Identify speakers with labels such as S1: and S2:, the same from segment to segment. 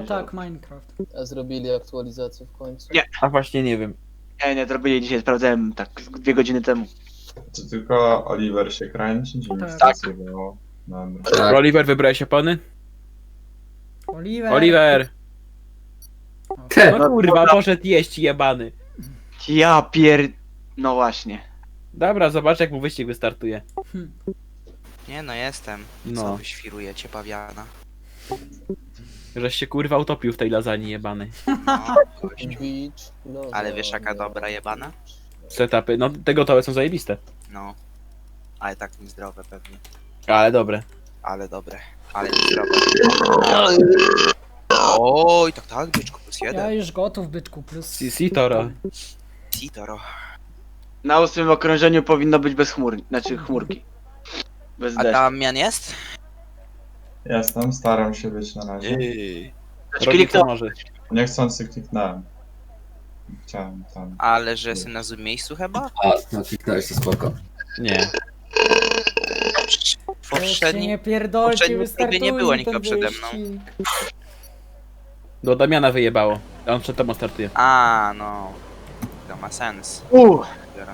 S1: tak, Minecraft.
S2: A zrobili aktualizację w końcu?
S3: Nie.
S4: A właśnie nie wiem.
S3: Nie, zrobili dzisiaj, sprawdzałem tak 2 godziny temu.
S5: Czy tylko Oliver się kręci? Czy mi
S1: Tak.
S5: było? Dobra.
S2: Tak.
S4: Oliver, wybrałeś opony?
S1: Oliver.
S4: Oliver!
S1: O,
S4: No kurwa, poszedł jeść jebany.
S3: Ja pier... No właśnie.
S4: Dobra, zobacz jak mu wyścig wystartuje.
S6: Nie no, jestem.
S4: No.
S6: Co wy świrujecie, pawiana?
S4: Żeś się kurwa utopił w tej lasagne jebanej.
S6: No, gościu.
S2: Beach, no,
S6: Ale wiesz jaka dobra jebana?
S4: Setupy, no te gotowe są zajebiste.
S6: No. Ale tak niezdrowe pewnie.
S4: Ale dobre.
S6: Ale dobre. Ale niezdrowe. Oj, tak, byczku, plus
S1: ja
S6: jeden.
S1: już gotów, byczku, plus...
S4: CC Toro.
S6: Citoro.
S3: Na 8 okrążeniu powinno być bez chmur, znaczy chmurki. Bez
S6: A
S3: deszczu.
S6: Damian jest?
S5: Jestem, staram się być na razie.
S4: Robi co może.
S5: Niechcący kliknąłem. Chciałem tam.
S6: Ale że jestem na złym miejscu chyba?
S7: A, no kliknąłeś, to spoko.
S4: Nie.
S6: W
S1: Weźcie
S6: poprzednim...
S1: nie pierdolcie,
S6: poprzednim
S1: wystartuje
S6: próbie nie było
S1: ten
S6: nikogo przede mną.
S1: wyścig.
S4: Do Damiana wyjebało. A on przed tobą startuje.
S6: A, no. To ma sens. Biorąc.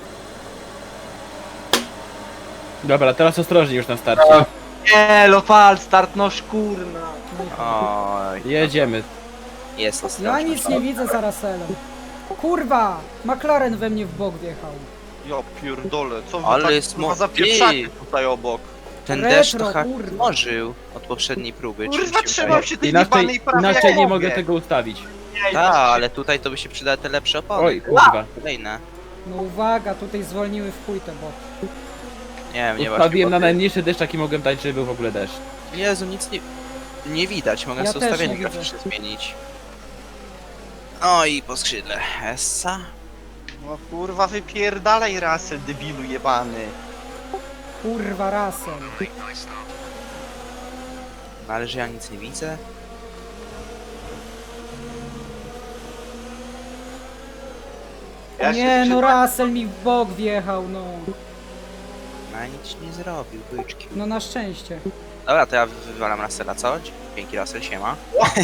S4: Dobra, teraz ostrożnie już na starcie.
S3: Nie, Lofal, start no szkurna.
S6: Oj,
S4: Jedziemy.
S6: jest
S1: Ja
S6: ostrożny.
S1: nic nie widzę za Russellem. Kurwa! McLaren we mnie w bok wjechał.
S8: Ja pierdolę, co wy
S6: Ale
S8: tak
S6: jest
S8: kurwa
S6: mo-
S8: zapieprzacie tutaj obok?
S6: Ten
S1: Retro,
S6: deszcz to
S1: kurwa.
S6: ożył od poprzedniej próby. czy
S8: Kurwa,
S6: mi się
S8: trzymam
S6: wydaje?
S8: się tej
S4: Inaczej,
S8: jebanej prawej
S4: inaczej nie
S8: jak
S4: mogę
S8: mówię.
S4: tego ustawić.
S6: Tak, ale tutaj to by się przydały te lepsze opony.
S4: Oj, kurwa.
S6: Kolejne.
S1: No uwaga, tutaj zwolniły w chuj te boty.
S6: Nie wiem, nie
S4: Ustawiłem na
S6: właśnie.
S4: najmniejszy deszcz jaki mogłem dać, żeby był w ogóle deszcz.
S6: Jezu, nic nie widać. Mogę
S1: Ja
S6: sobie
S1: też
S6: ustawienie
S1: nie widzę.
S6: graficzne zmienić. No i po skrzydle. Essa.
S8: No kurwa, wypierdalaj rasę, debilu jebany.
S1: Kurwa, Russell.
S6: No ale że ja nic nie widzę.
S3: Ja się
S1: Nie no,
S3: przyznam-
S1: Russell mi w bok wjechał, no.
S6: No i nic nie zrobił, byczki.
S1: No na szczęście.
S6: Dobra, to ja wywalam Russella, co? Dzięki Russell, siema.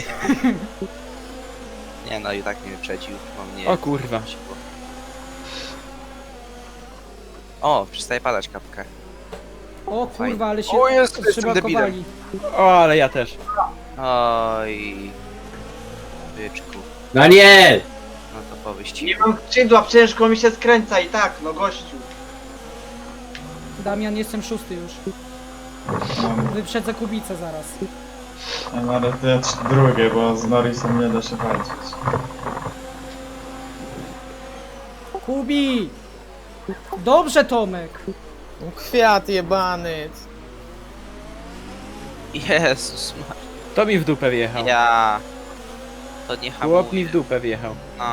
S6: Nie no, i tak mnie wyprzedził, bo mnie...
S4: O kurwa.
S6: O, przestaje padać kapkę.
S1: O kurwa, ale się
S6: O Jezu, jestem
S1: przybakowali.
S4: O, ale ja też.
S6: Oj... Byczku.
S7: No nie!
S6: No to po wyścigu.
S3: Nie mam skrzydła, ciężko mi się skręca i tak, no gościu.
S1: Damian, jestem szósty już. Wyprzedzę Kubicę zaraz.
S5: A nawet ja drugie, bo z Norrisem nie da się walczyć.
S1: Kubi! Dobrze, Tomek!
S9: Kwiat jebany.
S6: Jezus Maria.
S4: To mi w dupę wjechał.
S6: Ja... To nie hamuje.
S4: Chłop mi w dupę wjechał.
S6: No...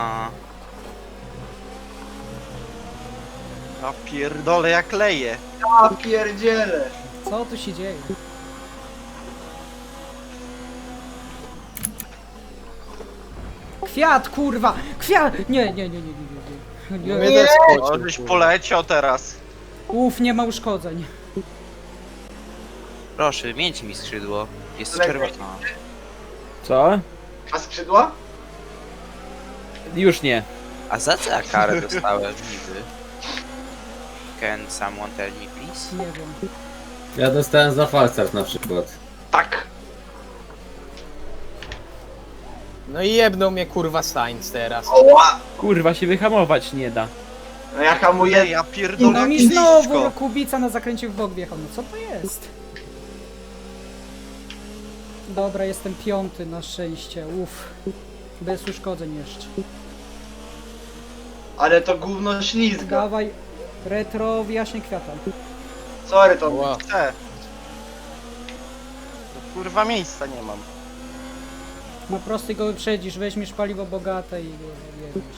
S8: Ja pierdolę jak leje.
S3: Ja pierdzielę.
S1: Co tu się dzieje? Kwiat, kurwa! Kwiat! Nie.
S9: Mnie też
S8: O,
S9: pocił,
S8: żeś
S9: kurwa.
S8: poleciał teraz.
S1: Uf, nie ma uszkodzeń.
S6: Proszę, wymieńcie mi skrzydło. Jest
S3: Lepiej.
S6: czerwona.
S4: Co?
S3: A skrzydła?
S4: Już nie.
S6: A za co ja karę dostałem niby? Can someone tell me please?
S1: Nie wiem.
S7: Ja dostałem za falstart na przykład.
S3: Tak.
S9: No i jebnął mnie kurwa Sainz teraz.
S3: Oła!
S4: Kurwa się wyhamować nie da.
S3: No ja hamuję.
S8: Ja pierdolę
S1: No
S8: jak
S1: mi znowu
S8: blisko.
S1: Kubica na zakręcie w bok wjechał. No co to jest? Dobra, jestem piąty na szczęście. Uff. Bez uszkodzeń jeszcze.
S3: Ale to gówno ślizga.
S1: Dawaj. Retro, wyjaśnię kwiata.
S3: Sorry to.
S9: Ła.
S8: Chcę. To kurwa miejsca nie mam.
S1: Na prostej go wyprzedzisz, weźmiesz paliwo bogate i go jedziesz.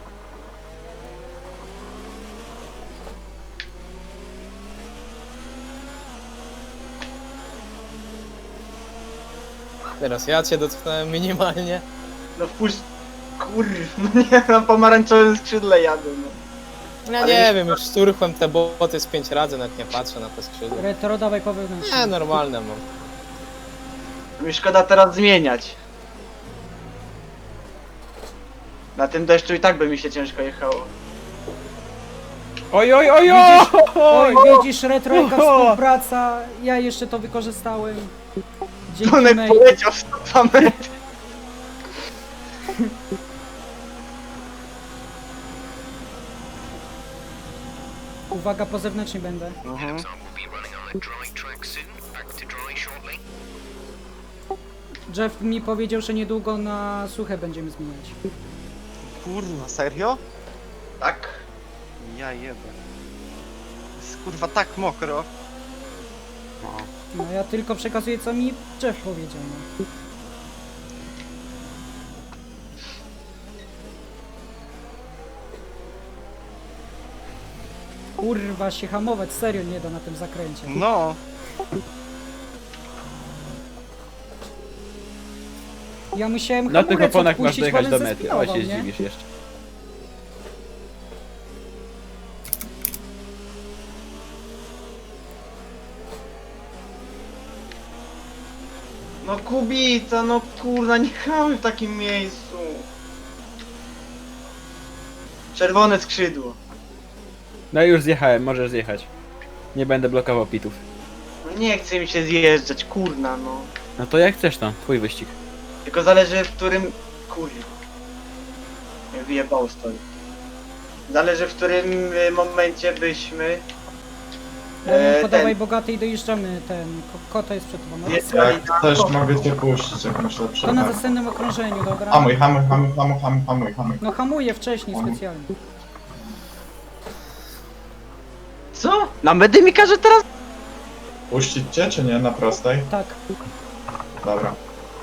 S9: Teraz ja cię dotknąłem minimalnie.
S3: No wpuść. Kurwa, no nie, na pomarańczowym skrzydle jadę, no.
S9: Ja
S3: Ale
S9: nie
S3: już-
S9: wiem, już szturchłem te boty z 5 razy, nawet nie patrzę na te skrzydła.
S1: Retro, dawaj po wewnętrznym.
S9: Nie, normalne mam.
S3: Mi szkoda teraz zmieniać. Na tym deszczu i tak by mi się ciężko jechało.
S4: Oj, oj, oj,
S1: Oj,
S4: oj!
S1: widzisz, retrojka współpraca, ja jeszcze to wykorzystałem. Dzięki
S3: Tonek
S1: mate.
S3: poleciał w 102 metry.
S1: Uwaga, po zewnętrznej będę. Jeff mi powiedział, że niedługo na suche będziemy zmieniać.
S8: Kurwa, serio?
S3: Tak.
S8: Ja jebę. Jest kurwa tak mokro.
S6: No.
S1: No ja tylko przekazuję, co mi Jeff powiedział. No. Kurwa, się hamować serio nie da na tym zakręcie.
S8: No.
S1: Ja musiałem
S4: Na tych
S1: hamulec
S4: oponach masz
S1: odpuścić,
S4: dojechać
S1: bo
S4: do
S1: on
S4: mety. O, się
S1: zespinował, nie?
S4: zdziwisz jeszcze.
S3: No Kubica, no kurna, nie chamy w takim miejscu. Czerwone skrzydło.
S4: No już zjechałem, możesz zjechać. Nie będę blokował pitów.
S3: No nie chce mi się zjeżdżać, kurna no.
S4: No to jak chcesz to, twój wyścig.
S3: Tylko zależy w którym... Kurwa. Mnie wyjebało stoi. Zależy w którym momencie byśmy...
S1: Podawaj
S3: ten-
S1: bogaty i dojeżdżamy ten. Kota jest przed tobą. No,
S3: Jest-
S5: Jak też mogę cię puścić, jak myślę
S1: to na
S5: przed.
S1: następnym okrążeniu, dobra?
S5: Hamuj, hamuj, hamuj, hamuj, hamuj, hamuj, hamuj.
S1: No hamuję wcześniej specjalnie.
S3: Co? Na medy mi każe teraz?
S5: Puścić cię, czy nie? Na prostej?
S1: Tak.
S5: Dobra.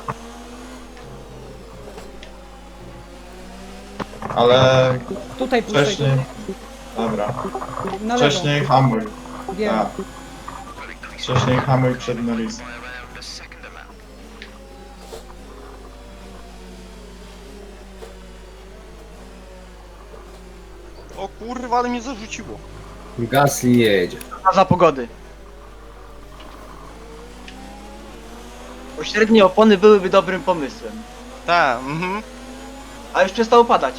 S5: Ale
S1: Tutaj puszczaj.
S5: wcześniej... Dobra.
S1: Na lewo.
S5: Wcześniej hamuj.
S1: Wiem.
S5: Tak. Wcześniej hamuj przed Norrisem.
S8: O kurwa, ale mnie zarzuciło.
S7: Gasly jedzie.
S3: Za pogody. Pośrednie opony byłyby dobrym pomysłem.
S8: Tak,
S3: A już przestało padać.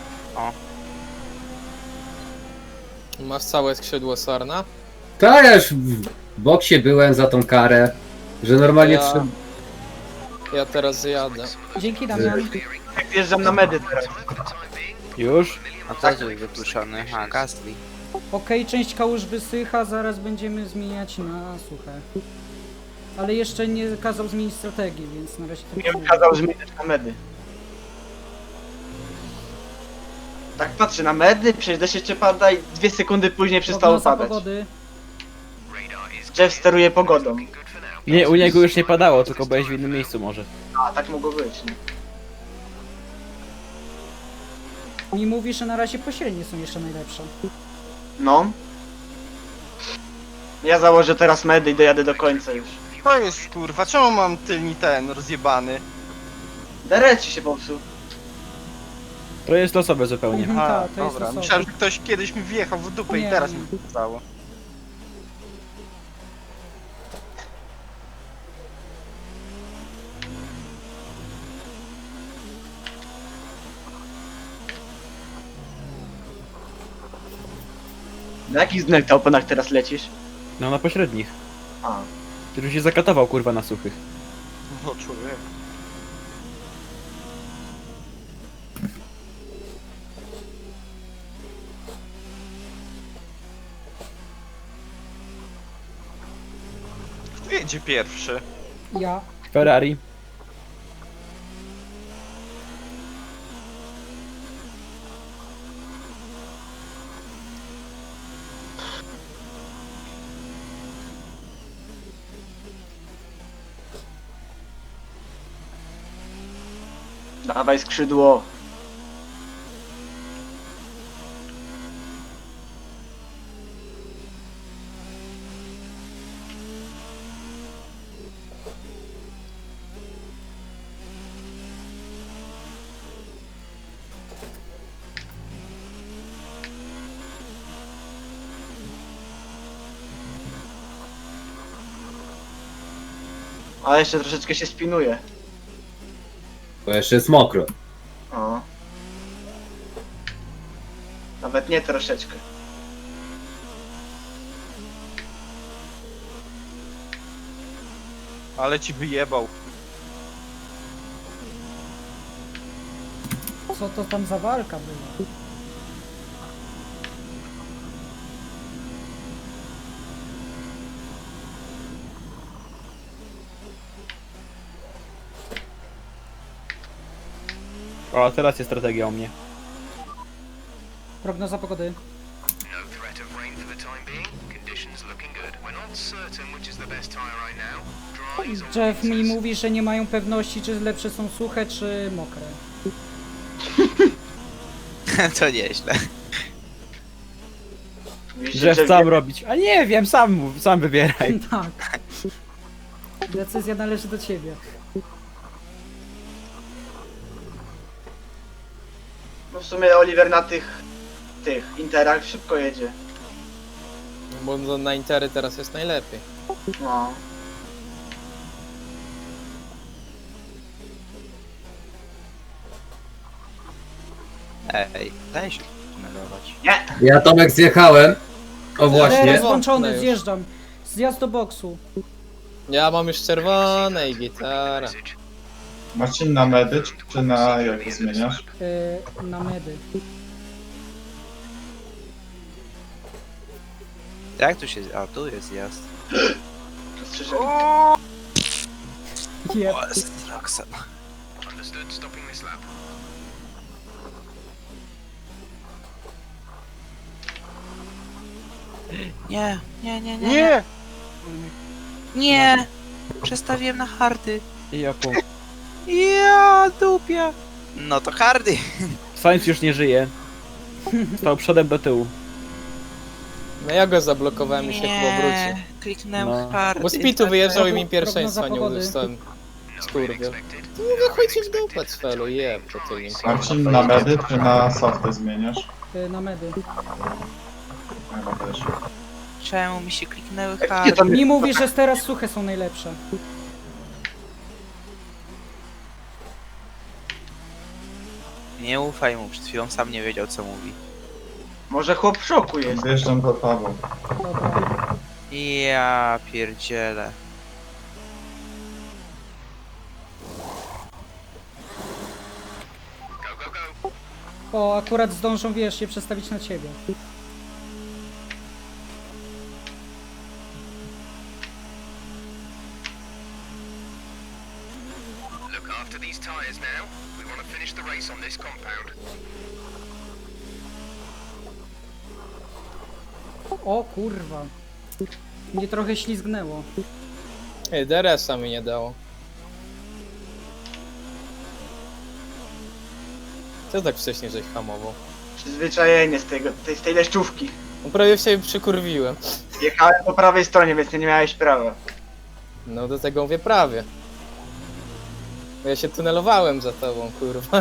S9: Masz całe skrzydło Sarna?
S7: To ja już w boksie byłem za tą karę, że normalnie
S9: Ja-
S7: trzeba...
S9: Ja teraz jadę.
S1: Dzięki Damian.
S3: Jak wjeżdżam na medy teraz.
S4: Już?
S6: No to jest wykluczony. A, Gasly.
S1: Okej, część kałuż wysycha, zaraz będziemy zmieniać na suche. Ale jeszcze nie kazał zmienić strategii, więc na razie
S3: Nie
S1: tak
S3: bym kazał zmieniać na medy. Tak patrzę na medy, przecież deszcz jeszcze pada i 2 sekundy później przestało
S1: Prognoza
S3: padać.
S1: pogody.
S3: Jeff steruje pogodą.
S4: Nie, u niego już nie padało, tylko byłeś w innym miejscu może.
S3: A, tak mogło być, nie?
S1: Mi mówi, że na razie pośrednie są jeszcze najlepsze.
S3: No. Ja założę teraz medy i dojadę do końca już.
S8: To jest kurwa, czemu mam tylni ten rozjebany?
S3: Dereci się popsuł.
S4: To jest losowe zupełnie.
S1: Mhm,
S8: A,
S1: tak, to jest
S8: dobra,
S1: losowe.
S8: myślałem, że ktoś kiedyś mi wjechał w dupę
S1: Nie,
S8: i teraz
S1: nie.
S8: mi to stało.
S3: Na jakich znak na oponach teraz lecisz?
S4: No na pośrednich.
S3: A.
S4: Ty już się zakatował kurwa na suchych.
S8: No człowiek. Kto jedzie pierwszy?
S1: Ja.
S4: Ferrari.
S3: Dawaj skrzydło. A jeszcze troszeczkę się spinuje.
S7: Bo jeszcze jest mokro.
S3: O. Nawet nie troszeczkę.
S8: Ale ci wyjebał.
S1: Co to tam za walka była?
S4: O, teraz jest strategia u mnie.
S1: Prognoza pogody. Jeff mi mówi, że nie mają pewności, czy lepsze są suche, czy mokre.
S6: To nieźle.
S3: Widzicie,
S4: Że
S3: że
S4: sam robić. A nie wiem, sam mów, sam wybieraj.
S1: Tak. Decyzja należy do ciebie.
S3: No w sumie Oliver na tych interach szybko jedzie.
S9: Bo na Intery teraz jest najlepiej.
S3: No.
S6: Ej, daj się tunelować.
S3: Nie!
S7: Ja Tomek zjechałem. O właśnie.
S1: Teraz
S9: No
S1: włączony,
S9: już.
S1: zjeżdżam. Zjazd do boksu.
S9: Ja mam już czerwone i gitara.
S5: Marcin, na medy, czy na jakie zmieniasz?
S1: Na medy.
S6: Jak tu się... A, tu jest zjazd.
S3: Rozszerzenie.
S1: Jeb.
S6: O, jest Roxan. Nie, nie, nie, nie.
S8: Nie!
S6: Nie! Przestawiłem na hardy.
S4: I ja punkt.
S6: Ja dupia. No to hardy.
S4: Sainz już nie żyje. Stał przodem do tyłu.
S9: No ja go zablokowałem i się chyba wrócił.
S6: Kliknąłem
S4: No.
S6: hardy.
S9: Bo z pitu wyjeżdżał i mi
S1: Prognoza
S9: pierwszeństwa nie
S1: pogody.
S9: uzyskałem. Skurwiel. To mówię, chodźcie w dupę, Cfelu, jeb, to ty nim.
S5: Marcin, na medy, czy na softy zmieniasz?
S1: Na medy.
S5: Chyba też.
S6: Czemu mi się kliknęły
S3: Gdzie
S6: hardy?
S3: tam
S1: Mi mówi, że teraz suche są najlepsze.
S6: Nie ufaj mu, przed chwilą sam nie wiedział co mówi.
S3: Może chłop w szoku jest.
S5: Zjeżdżam za tobą.
S1: Dobra.
S6: Ja pierdzielę.
S1: O, akurat zdążą, wiesz, się przestawić na ciebie. O kurwa. Mnie trochę ślizgnęło.
S9: Ej, DRS-a mi nie dało. Co tak wcześniej żeś hamował?
S3: Przyzwyczajenie z tej deszczówki.
S9: No prawie się przykurwiłem.
S3: Jechałem po prawej stronie, więc nie miałeś prawa.
S9: No do tego mówię prawie. Bo ja się tunelowałem za tobą, kurwa.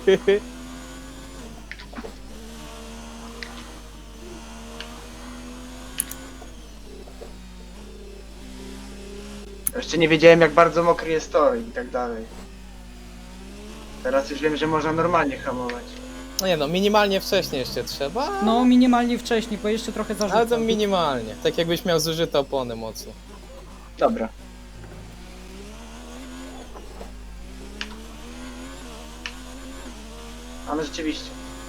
S3: Jeszcze nie wiedziałem jak bardzo mokry jest tor i tak dalej. Teraz już wiem, że można normalnie hamować.
S9: No nie no, minimalnie wcześniej jeszcze trzeba.
S1: No, minimalnie wcześniej, bo jeszcze trochę
S9: Ale to
S1: zarzucam.
S9: minimalnie. Tak jakbyś miał zużyte opony mocno.
S3: Dobra. A no rzeczywiście.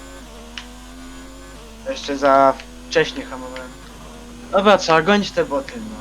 S3: Jeszcze za wcześnie hamowałem. Dobra, trzeba gonić te boty, no.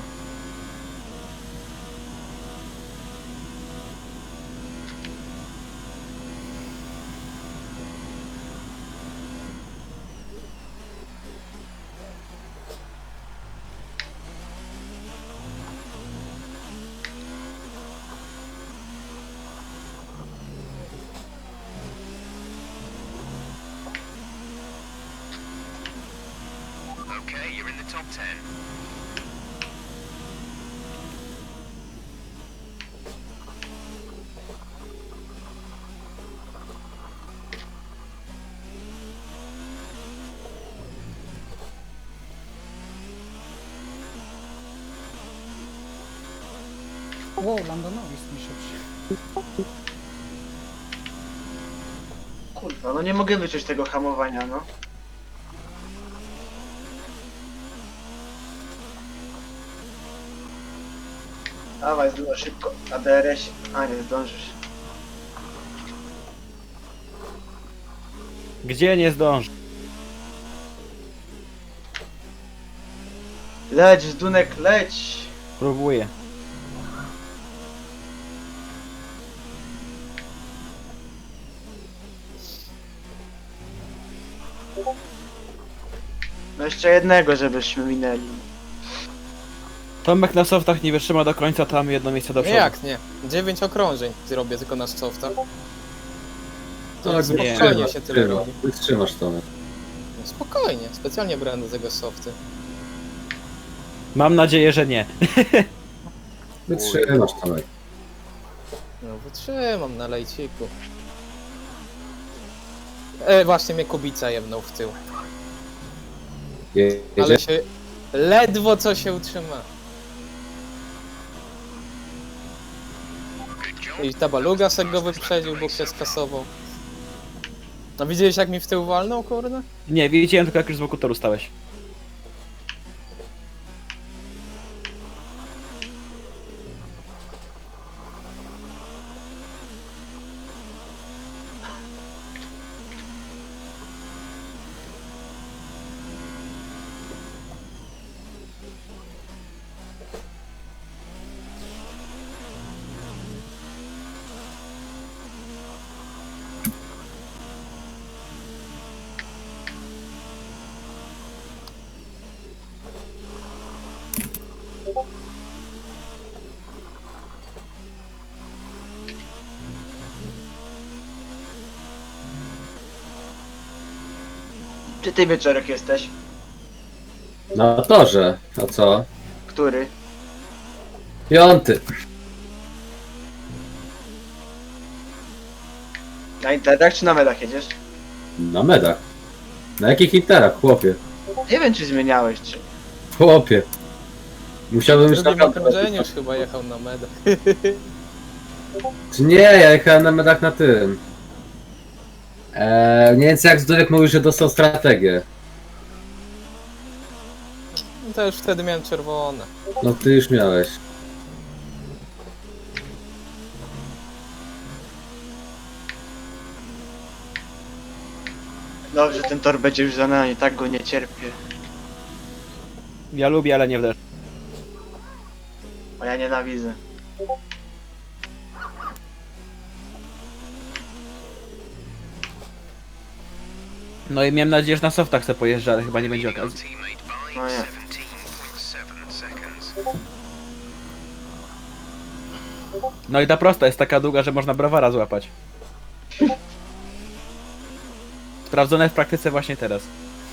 S1: Wow, Landonowi jest szybszy.
S3: Kurwa, no nie mogę wyczuć tego hamowania, no. Dawaj, zdąż szybko. Na DRS. A nie zdążysz.
S4: Gdzie nie zdąży?
S3: Leć, Zdunek, leć!
S4: Próbuję.
S3: No jeszcze jednego, żebyśmy minęli.
S4: Tomek na softach nie wytrzyma do końca, to mamy jedno miejsce do
S9: Nie
S4: przodu.
S9: jak nie? 9 okrążeń zrobię tylko na softa. To
S7: Tak,
S9: spokojnie się tyle robi.
S7: Wytrzymasz to.
S9: No spokojnie, specjalnie brałem do tego softy.
S4: Mam nadzieję, że nie.
S7: Wytrzymasz to.
S9: No wytrzymam na lejciku. Właśnie mnie Kubica jebnął w tył. Ale
S7: Jedzie?
S9: się... Ledwo co się utrzyma. I ta baluga se go wyprzedził, bo się skasował. No widziałeś jak mi w tył walnął, kurde?
S4: Nie, widziałem tylko jak już z boku toru stałeś.
S3: Czy ty wieczorek jesteś?
S7: Na torze. A co?
S3: Który?
S7: 5.
S3: Na interach czy na medach jedziesz?
S7: Na medach. Na jakich interach, chłopie?
S3: Nie wiem czy zmieniałeś czy...
S7: Chłopie. Musiałbym
S9: W
S7: już
S9: drugim
S7: naprawdę...
S9: okrążeniu już chyba jechał na medach.
S7: Czy nie, ja jechałem na medach na tym. Nie wiem co jak Zdurek mówił, że dostał strategię.
S9: No to już wtedy miałem czerwone.
S7: No ty już miałeś.
S3: Dobrze, ten tor będzie już za nami, tak go nie cierpię.
S4: Ja lubię, ale nie w deszcz.
S3: A ja nienawidzę.
S4: No i miałem nadzieję, że na softach se pojeżdża, ale chyba nie będzie okazji.
S3: No nie.
S4: No i ta prosta jest taka długa, że można browara złapać. Sprawdzone w praktyce właśnie teraz.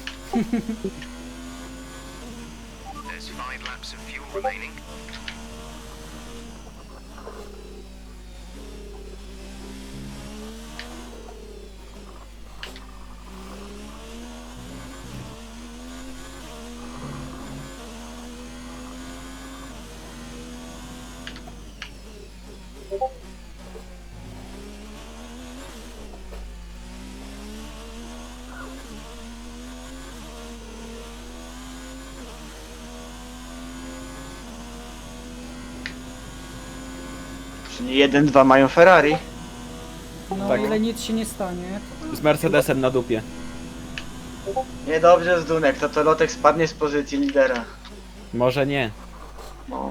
S3: Czyli 1-2 mają Ferrari.
S1: No
S4: Tak.
S1: ile nic się nie stanie.
S4: Z Mercedesem na dupie.
S3: Niedobrze Zdunek, to Lotek spadnie z pozycji lidera.
S4: Może nie.
S3: No.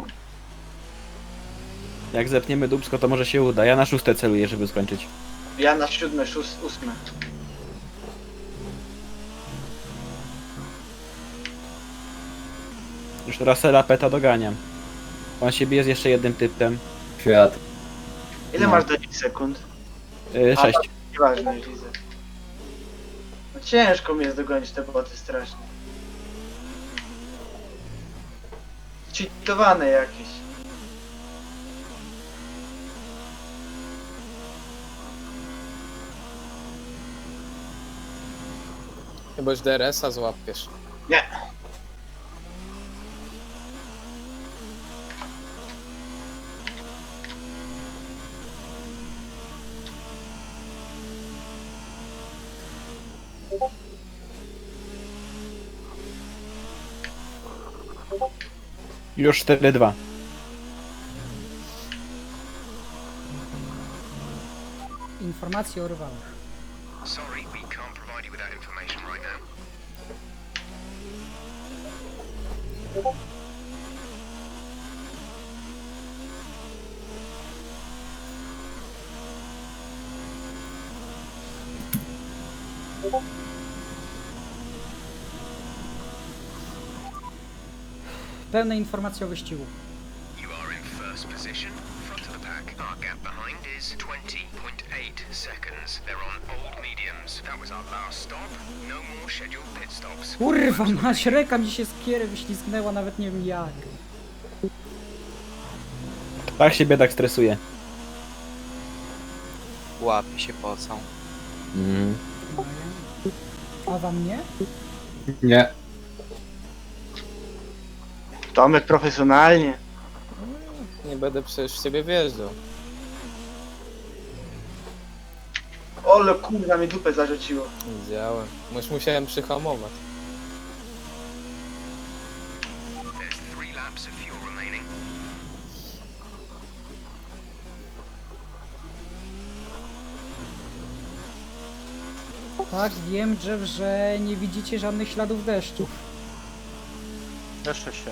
S4: Jak zepniemy dupsko, to może się uda. Ja na 6 celuję, żeby skończyć.
S3: Ja na 7, 8.
S4: Już Russella Peta doganiam. On się bije z jeszcze jednym typem.
S7: Kwiat.
S3: Ile
S4: No.
S3: masz do nich sekund?
S4: 6.
S3: Nieważne, już widzę. No ciężko mi jest dogonić te boty strasznie. Cheatowane jakieś.
S9: Chyba już DRS-a złapiesz.
S3: Nie.
S4: Już 4-2.
S1: Informacje o rywalach.
S10: Sorry, we can't provide you with that information right now.
S1: Pełne informacje o wyścigu.
S10: You are in first position, front of the pack. Our gap behind is 20.8 seconds. They're on old mediums. That was our last stop. No more scheduled pit stops.
S1: Kurwa, mać, ręka mi się z kiery wyślizgnęła, nawet nie wiem jak.
S4: Tak się biedak stresuje.
S6: Łapy się pocą.
S4: Mhm.
S1: A wam nie?
S7: Nie.
S3: Tomek profesjonalnie.
S9: Nie będę przecież w ciebie wjeżdżał.
S3: Ole kurwa, mi dupę zarzuciło.
S9: Widziałem. Musiałem przyhamować.
S10: There's 3 laps of fuel remaining.
S1: Tak, wiem, że nie widzicie żadnych śladów deszczu.
S8: Jeszcze się.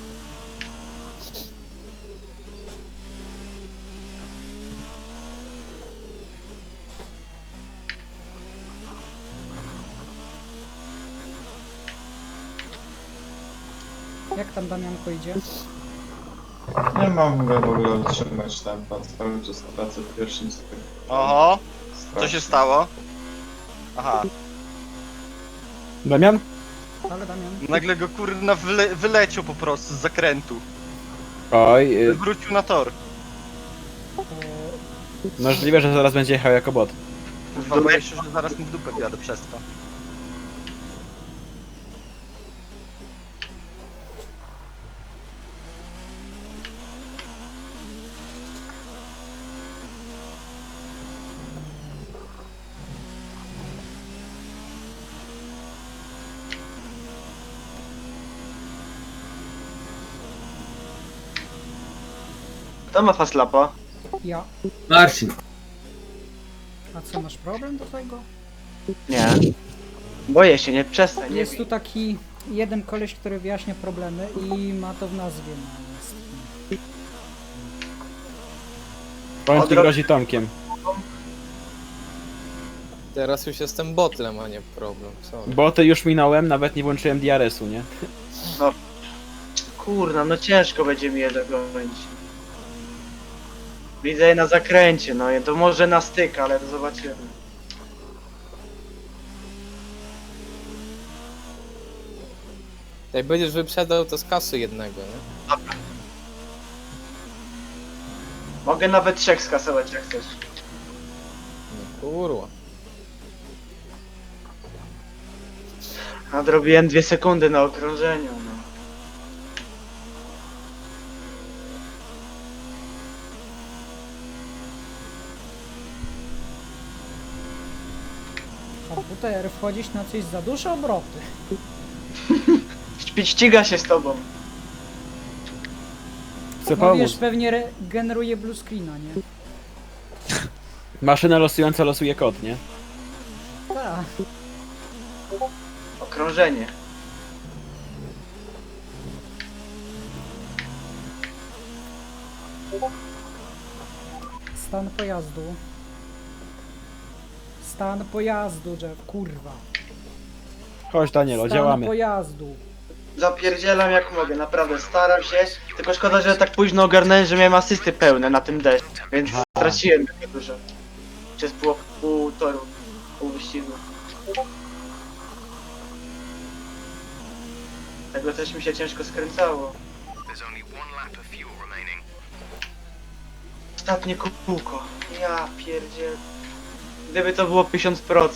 S1: Jak tam Damianko idzie?
S5: Nie mogę w ogóle utrzymać tempa, cały czas tracę w pierwszym stopniu.
S8: Oho, co się stało? Aha,
S4: Damian?
S1: Ale Damian.
S8: nagle go kurna wyleciał po prostu z zakrętu.
S4: Oj,
S8: Wrócił na tor.
S4: możliwe, że zaraz będzie jechał jako bot.
S8: Kurwa, boję się, że zaraz mu w dupę wjadę przez to.
S3: Kto ma faslapa?
S1: Ja.
S7: Marcin.
S1: A co, masz problem do tego?
S3: Nie. Boję się, nie przestań. Nie
S1: Jest tu taki jeden koleś, który wyjaśnia problemy i ma to w nazwie natomiast.
S4: On ci
S3: Odro-
S4: grozi Tomkiem.
S9: Teraz już jestem botlem, a nie problem. Co?
S4: Boty już minąłem, nawet nie włączyłem DRS-u, nie?
S3: Kurna, no ciężko będzie mi je dogonić. Widzę je na zakręcie, no to może na styk, ale to zobaczymy.
S9: Jak będziesz wyprzedał, to z kasy jednego, nie?
S3: Mogę nawet 3 skasować jak chcesz.
S9: No kurwa.
S3: Nadrobiłem 2 sekundy na okrążeniu, no.
S1: Komputer, wchodzić na coś za duże obroty.
S3: Ściga się z tobą.
S4: Chcę
S1: No
S4: pomóc.
S1: wiesz, pewnie generuje blue screena, nie?
S4: Maszyna losująca losuje kod, nie?
S1: Tak.
S3: Okrążenie.
S1: Stan pojazdu. Stan pojazdu, Jeff, kurwa.
S4: Chodź Danielo,
S1: Stan
S4: działamy.
S1: pojazdu.
S3: Zapierdzielam jak mogę, naprawdę staram się. Tylko szkoda, że tak późno ogarnąłem, że miałem asysty pełne na tym deszczu. Więc straciłem takie dużo. Przez pół toru, pół wyścigu. Tego też mi się ciężko skręcało.
S10: There's only 1 lap of fuel remaining.
S3: Ostatnie kółko. Ja pierdziel. Gdyby to było 1000%.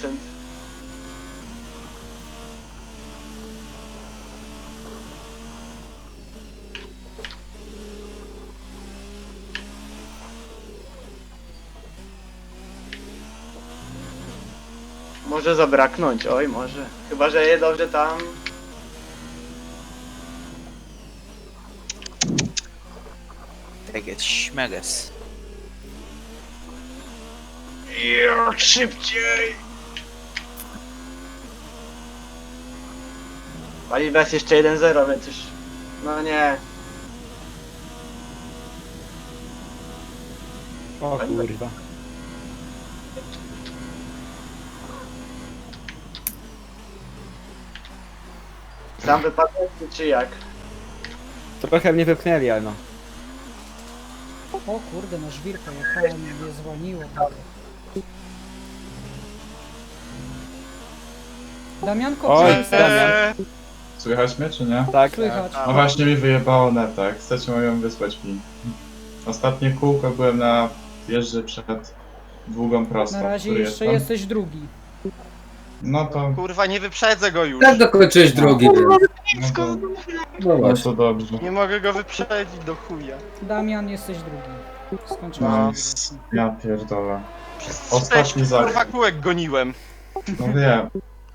S3: Może zabraknąć, oj może. Chyba, że je dobrze tam.
S6: Tak jest śmeges.
S3: Jak szybciej! Paliwa jest jeszcze 1-0, więc już... No nie.
S4: O kurwa.
S3: Sam wypadek czy jak?
S4: Trochę mnie wypchnęli, ale no.
S1: O kurde, na żwirkę jechałem, mnie zwolniło tak. Damianko,
S4: Oj,
S1: co jest?
S4: Damian.
S5: Słychać mnie, czy nie?
S4: Tak.
S1: Słychać.
S5: No właśnie mi wyjebało netę, chcecie moją wysłać mi. Ostatnie kółko byłem na jeździe przed długą prostą.
S1: Na razie
S5: który
S1: jeszcze
S5: jestem.
S1: jesteś drugi.
S5: No to...
S8: Kurwa, nie wyprzedzę go już.
S7: Tak dokończyłeś drugi, więc...
S5: No to,
S7: No
S5: no
S7: właśnie.
S5: to dobrze.
S8: Nie mogę go wyprzedzić do chuja.
S1: Damian, jesteś drugi. Skończyłeś.
S5: Nice. Ja pierdolę.
S8: Przez
S5: Ostatni
S8: 6 kurwa
S5: zakręt.
S8: kółek goniłem.
S5: No wiem.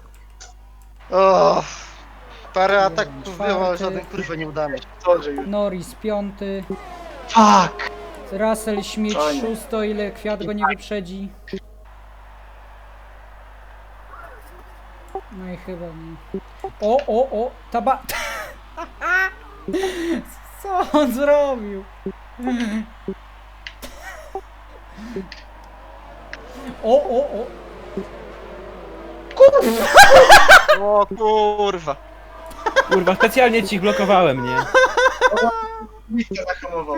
S8: O, parę ataków
S1: Czwarty.
S8: było, ale żaden kurwa nie uda mi się.
S3: Co, że już...
S1: Norris piąty.
S3: Fuck!
S1: Russell Śmieć
S3: Fajnie.
S1: szósto, ile kwiat go nie wyprzedzi. No i chyba nie. O, taba... Co on zrobił? O.
S8: O kurwa.
S4: Kurwa, specjalnie ci blokowałem, nie?
S3: Nikt nie zahamował.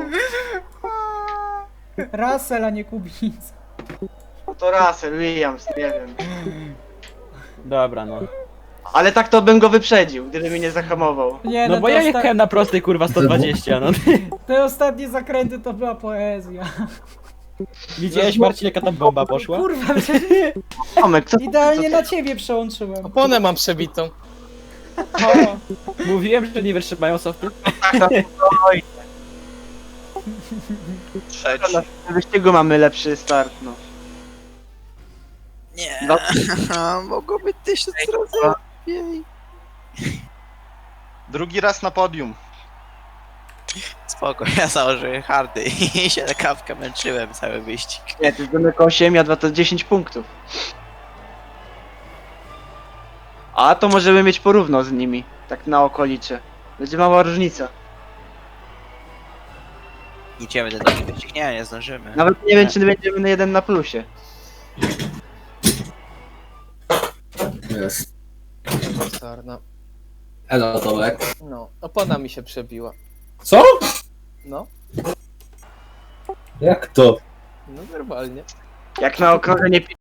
S1: Russell, a nie Kubica.
S3: No to Russell, Williams, nie wiem.
S4: Dobra, no.
S3: Ale tak to bym go wyprzedził, gdyby mnie nie zahamował.
S1: Nie,
S4: No bo
S1: te
S4: ja
S1: osta-
S4: jechałem na prostej, kurwa, 120, no.
S1: Te ostatnie zakręty to była poezja.
S4: Widziałeś, Marcin, jaka tam bomba poszła?
S1: Kurwa, przecież
S3: Tomek, co
S1: idealnie na ciebie przełączyłem.
S9: Oponę mam przebitą.
S4: O, mówiłem, że nie wytrzymają softy.
S8: Trzeci.
S3: w wyścigu mamy lepszy start, no.
S6: Nie,
S3: No.
S6: mogło być 1000 razy lepiej.
S8: Drugi raz na podium.
S6: Spoko, ja założyłem hardy i się na kawkę męczyłem cały wyścig.
S3: Nie, to jest Domek 8, a 2 to 10 punktów. A to możemy mieć porówno z nimi, tak na okolicze. Będzie mała różnica.
S6: Idziemy do drugi wyścig? Nie zdążymy.
S3: Nawet nie wiem, czy będziemy na 1 na plusie.
S7: Jest.
S9: Sarna.
S7: Elo, Tomek.
S9: No, opona mi się przebiła.
S7: Co?
S9: No,
S7: Jak to?
S9: no normalnie.
S3: Jak na okrążenie